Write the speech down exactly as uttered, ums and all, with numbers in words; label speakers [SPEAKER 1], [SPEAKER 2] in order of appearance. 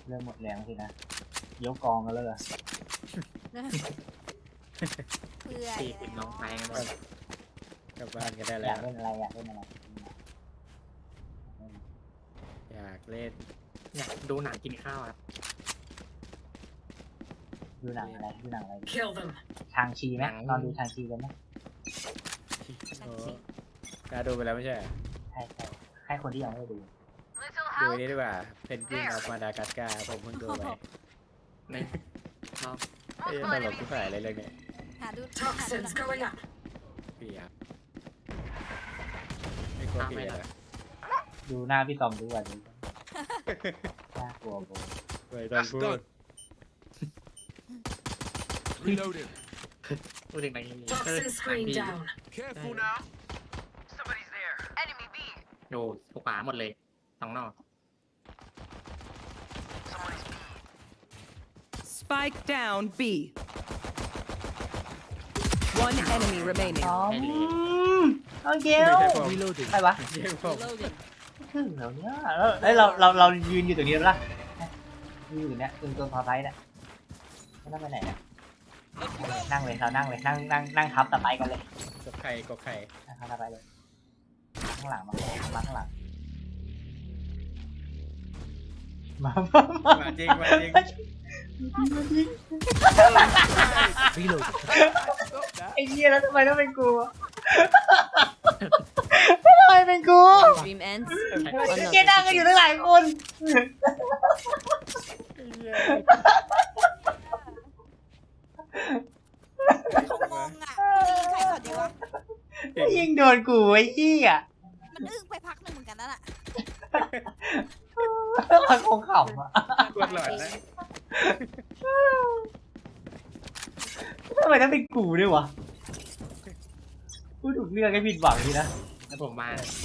[SPEAKER 1] เริ่มหมดแรงสินะยกกองกันเลยเหรอ
[SPEAKER 2] เพื่อ
[SPEAKER 3] สี่สิบน้องไปกันหมด
[SPEAKER 4] กลับบ้านกันได้
[SPEAKER 1] อ
[SPEAKER 4] แล้
[SPEAKER 1] ยาว กเล่นอะไรอยากเล่นอะไร
[SPEAKER 4] อยากเล่น
[SPEAKER 3] อยากดูหนังกินข้าวครับ
[SPEAKER 1] ดูหนังอะไรดูหนังอะไร
[SPEAKER 5] Kill them.
[SPEAKER 1] ชางชีไหมตอนดูชางชีกันไหม
[SPEAKER 4] โอ้กล้าดูไปแล้วไม่ใช่เหรอ
[SPEAKER 1] ใช่ใช่ให้คนที่ยังไม่ได้ดู
[SPEAKER 4] ดูอันนี้ดีกว่าเพนกวินออฟมาดากัสการ์ผมเพิ่งดูไป
[SPEAKER 3] ในรอบ
[SPEAKER 4] เอ้ยตลกที่ฝ่ายอะไรเรื่องเนี้ย
[SPEAKER 2] หาดูหาดู
[SPEAKER 5] Toxins going up.
[SPEAKER 4] พี่ครับไม่กลัวพี่เหรอ
[SPEAKER 1] ดูหน้าพี่ตอมดูอ่ะดูน่ากลัวโบ
[SPEAKER 4] ไม่ต้องพูด
[SPEAKER 6] Reloading.
[SPEAKER 3] พูดถึงหนังนี้
[SPEAKER 5] Toxin screen down.
[SPEAKER 6] Careful now. Somebody's there. Enemy B.
[SPEAKER 3] ดูถูกขวาหมดเลยสองนอก
[SPEAKER 6] Somebody's B.
[SPEAKER 7] Spike down B. One enemy remaining.
[SPEAKER 1] อ๋อ
[SPEAKER 3] ให้เลย
[SPEAKER 1] โอเค
[SPEAKER 4] ไม่ใช่ผม
[SPEAKER 6] Reloading.
[SPEAKER 1] ใครวะ
[SPEAKER 4] ไม่ใช่ผม
[SPEAKER 7] Reloading.
[SPEAKER 1] ถึงแล้วเนี่ยแล้วเอ้ยเราเราเรายืนอยู่ตรงนี้แล้วล่ะยืนอยู่ตรงเนี้ยตรงตรงพอไซส์เนี่ยไม่ต้องไปไหนเนี่ยนั่งเลยเรานั่งเลยนั่งนั่งนั่งทับตะไบกันเลย
[SPEAKER 4] กบไข่กบไข่
[SPEAKER 1] นั่งทับตะไบเลยข้างหลังมามาข้างหลังมามามา
[SPEAKER 4] มาจริงมาจริง
[SPEAKER 6] Reloading.
[SPEAKER 1] ไอ้เหี้ยแล้วทำไมต้องเป็นกูอะทำไมเป็นกู
[SPEAKER 7] Dream ends.
[SPEAKER 1] ไอ้เหี้ยนั่งกันอยู่ตั้งหลายคน
[SPEAKER 2] เขางงอ่ะยิงใครก่อนดีวะ
[SPEAKER 1] ยิงโดนกูไอ้เหี้ย
[SPEAKER 2] มันอึ้งไปพักหนึ่งเหมือนกันนั่นแหละ
[SPEAKER 1] มันคงขำอ่ะ
[SPEAKER 4] กดหลอดนะ
[SPEAKER 1] ทำไมต้องเป็นกูด้วยวะพูดถูกเรื่องให้ผิดหวังดีนะ
[SPEAKER 3] แล้วผมมา